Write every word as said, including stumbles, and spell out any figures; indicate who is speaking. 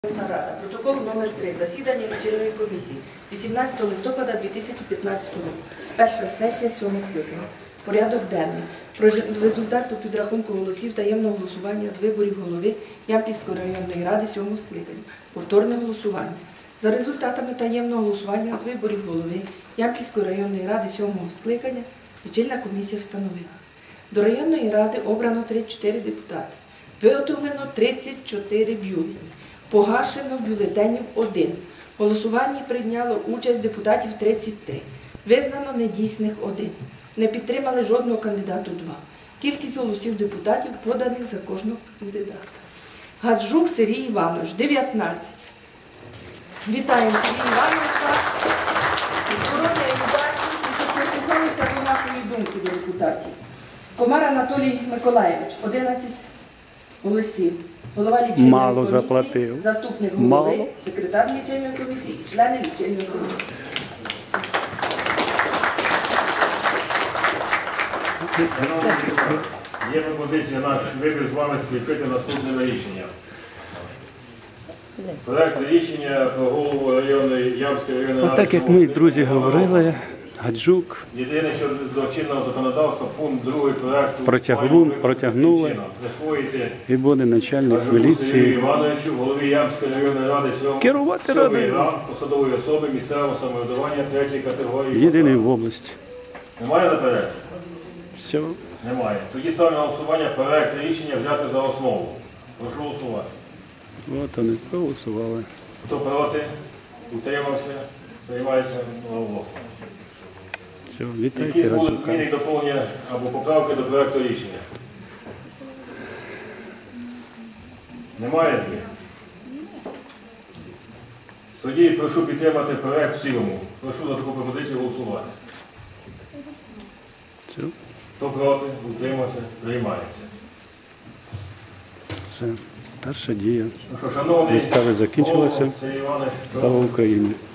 Speaker 1: Рада. Протокол номер три. Засідання лічильної комісії вісімнадцятого листопада дві тисячі п'ятнадцятого року. Перша сесія сьомого скликання. Порядок денний. Про результати підрахунку голосів таємного голосування з виборів голови Ямпільської районної ради сьомого скликання. Повторне голосування. За результатами таємного голосування з виборів голови Ямпільської районної ради сьомого скликання лічильна комісія встановила. До районної ради обрано тридцять чотири депутати. Виготовлено тридцять чотири бюлетені. Погашено бюлетенів один. В голосуванні прийняло участь депутатів тридцять три. Визнано недійсних один. Не підтримали жодного кандидату два. Кількість голосів депутатів поданих за кожного кандидата. Гаджук Сергій Іванович, дев'ятнадцять. Вітаємо Сергій Івановича. Здоров'я і удачі, і щоб прислухалися до нашої думки до депутатів. Комар Анатолій Миколаєвич, одинадцять голосів. Голова лічильної
Speaker 2: Мало
Speaker 1: комісії,
Speaker 2: заплатив.
Speaker 1: заступник голови,
Speaker 2: Мало.
Speaker 1: секретар лічильної комісії і члени лічильної комісії.
Speaker 3: Є пропозиція наш вибір з вами скріпити наступними рішенням. Проект рішення про голову районної Ямпільської районної ради.
Speaker 2: Так як ми, друзі, говорили, Гаджук
Speaker 3: Єдине, що до чинного законодавства, пункт другий проекту
Speaker 2: Протягну- протягнули.
Speaker 3: присвоїти
Speaker 2: і буде начальник
Speaker 3: Гаджуку Сергію
Speaker 2: міліції
Speaker 3: Івановичу, голові Ямпільської районної ради сьомого
Speaker 2: керувати
Speaker 3: сьомий
Speaker 2: радою.
Speaker 3: ранг посадової особи місцевого самоврядування третьої категорії.
Speaker 2: Єдиний
Speaker 3: посад.
Speaker 2: в області.
Speaker 3: Немає заперечень?
Speaker 2: Все.
Speaker 3: Немає. Тоді ставлю на голосування проект рішення взяти за основу. Прошу голосувати.
Speaker 2: От вони проголосували.
Speaker 3: Хто проти? Утримався? Приймається одноголосно.
Speaker 2: Все,
Speaker 3: Які
Speaker 2: вітайте
Speaker 3: будуть
Speaker 2: Гаджука.
Speaker 3: зміни, доповнення або поправки до проекту рішення? Немає змін? Тоді прошу підтримати проект в цілому. Прошу за таку пропозицію голосувати.
Speaker 2: Все,
Speaker 3: Хто проти? Утримався? Приймається.
Speaker 2: все. Перша дія.
Speaker 3: Ну що, шановний
Speaker 2: Вистави закінчилися.
Speaker 3: голово Сергій Іванович,
Speaker 2: Слава Україні!